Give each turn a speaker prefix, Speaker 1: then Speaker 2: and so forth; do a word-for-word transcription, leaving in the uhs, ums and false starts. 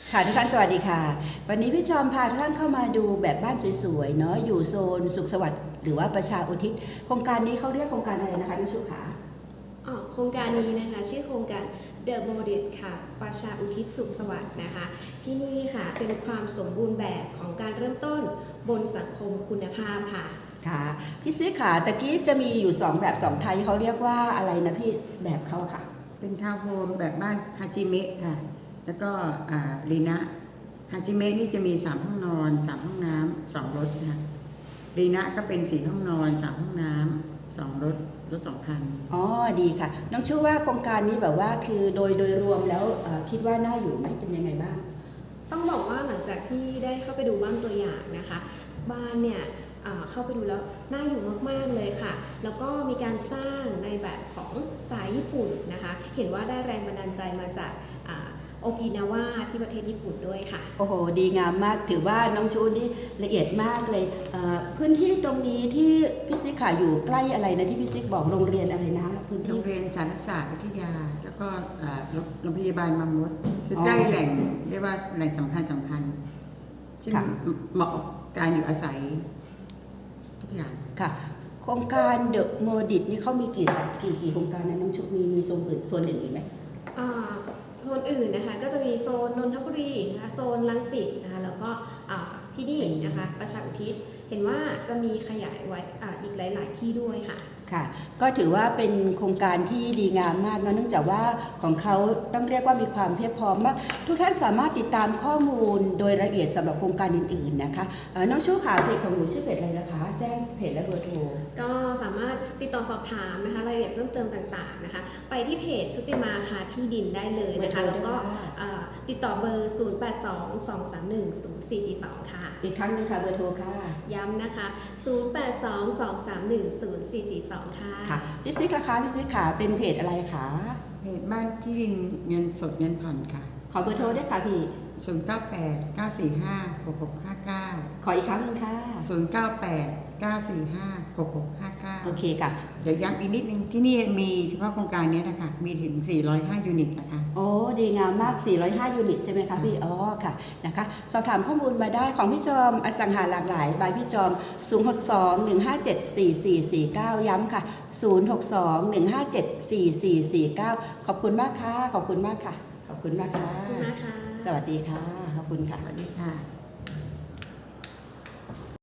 Speaker 1: ค่ะทุกท่านสวัสดีค่ะวันนี้พี่จอมพาทุกท่านเข้ามาดูแบบบ้านสวยๆเนาะอยู่โซนสุขสวัสดิ์หรือว่าประชาอุทิศโครงการนี้เขาเรียกโครงการอะไรนะคะพี่ชุขา
Speaker 2: อ๋อโครงการนี้นะคะชื่อโครงการ The Modit ค่ะประชาอุทิศสุขสวัสดิ์นะคะที่นี่ค่ะเป็นความสมบูรณ์แบบของการเริ่มต้นบนสังคมคุณภาพค่ะ
Speaker 1: ค่ะพี่ซื้อขาตะกี้จะมีอยู่สองแบบสองไทยเขาเรียกว่าอะไรนะพี่แบบเขาค่ะ
Speaker 3: เป็นทาวน์โฮมแบบบ้านฮาจิเมะค่ะแล้วก็รีนะฮาจิเมะนี่จะมีสามห้องนอนสามห้องน้ำสองรถค่ะรีนะก็เป็นสี่ห้องนอนสามห้องน้ำสองรถรถสองคัน
Speaker 1: อ๋อดีค่ะน้องชูว่าโครงการนี้แบบว่าคือโดยโดยรวมแล้วคิดว่าน่าอยู่ไหมเป็นยังไงบ้าง
Speaker 2: ต้องบอกว่าหลังจากที่ได้เข้าไปดูบ้านตัวอย่างนะคะบ้านเนี่ยเข้าไปดูแล้วน่าอยู่มากๆเลยค่ะแล้วก็มีการสร้างในแบบของสไตล์ญี่ปุ่นนะคะเห็นว่าได้แรงบันดาลใจมาจากโอกินาวาที่ประเทศญี่ปุ่นด้วยค่ะ
Speaker 1: โอ้โหดีงามมากถือว่าน้องชูนี่ละเอียดมากเลยพื้นที่ตรงนี้ที่พี่ซิกขาอยู่ใกล้อะไรนะที่พี่ซิกบอกโรงเรียนอะไรนะพื้นที่
Speaker 3: โรงเรียนสารศาสตร์วิทยาแล้วก็โรงพยาบาลบางมดคือใกล้แหล่งเรียกว่าแหล่งสำคัญสำคัญซึ่งเหมาะการอยู่อาศัยทุกอย่าง
Speaker 1: ค่ะโครงการเดอะโมดิตนี่เขามีกี่สักี่กี่โครงการนะน้องชุกมีมีโซนอื่นโซนอื่นอีกไหม
Speaker 2: โซนอื่นนะคะก็จะมีโซนนนทบุรีนะคะโซนรังสิตนะคะแล้วก็ที่นี่นะคะประชาอุทิศเห็นว่าจะมีขยายไว้อีกหลาย ๆ ที่ด้วยค่ะ
Speaker 1: ค่ะก็ถือว่าเป็นโครงการที่ดีงามมากเนาะเนื่องจากว่าของเขาต้องเรียกว่ามีความเพียบพร้อมมากทุกท่านสามารถติดตามข้อมูลโดยละเอียดสำหรับโครงการอื่นๆนะคะน้องชูขาเพจของหนูชื่อเพจอะไรนะคะแจ้งเพจและเบอร์โทร
Speaker 2: ก็สามารถติดต่อสอบถามนะคะรายละเอียดเพิ่มเติมต่างๆนะคะไปที่เพจชุติมาคาที่ดินได้เลยนะคะแล้วก็ติดต่อเบอร์ศูนย์ แปด สอง สอง สาม หนึ่ง ศูนย์ สี่ สี่ สองค่ะ
Speaker 1: อีกครั้งนึงค่ะเบอร์โทรค่ะ
Speaker 2: ย้ำนะคะศูนย์ แปด สอง สอง สาม หนึ่ง ศูนย์ สี่ สี่ สองค่ะ
Speaker 1: ค่ะพี่ซิกราคาพี่ซิกขาเป็นเพจอะไรคะ
Speaker 3: เพจบ้านที่ดินเงินสดเงินผ่อนค่ะ
Speaker 1: ขอเบอร์โทรด้วยค่ะพี่
Speaker 3: ศูนย์ เก้า แปด เก้า สี่ ห้า หก หก ห้า เก้า
Speaker 1: ขออีกครั้งนึงค่ะ
Speaker 3: ศูนย์ เก้า แปด เก้า สี่ ห้า หก หก ห้า เก้า
Speaker 1: โอเคค่ะ
Speaker 3: เดี๋ยวย้ำอีกนิดนึงที่นี่มีเฉพาะโครงการนี้นะคะมีถึงสี่ร้อยห้ายูนิตนะคะ
Speaker 1: โอ้ดีงามมากสี่ร้อยห้ายูนิตใช่ไหมคะพี่อ๋อค่ะนะคะสอบถามข้อมูลมาได้ของพี่จอมอสังหาหลากหลายบายพี่จอมศูนย์ หก สอง หนึ่ง ห้า เจ็ด สี่ สี่ สี่ เก้าย้ำค่ะศูนย์ หก สอง หนึ่ง ห้า เจ็ด สี่ สี่ สี่ เก้าขอบคุณมากค่ะขอบคุณมากค่ะขอบคุณมากค่ะ
Speaker 2: ขอบคุณมากค่ะ
Speaker 1: สวัสดีค่ะขอบคุณค่ะ
Speaker 3: สวัสดีค่ะ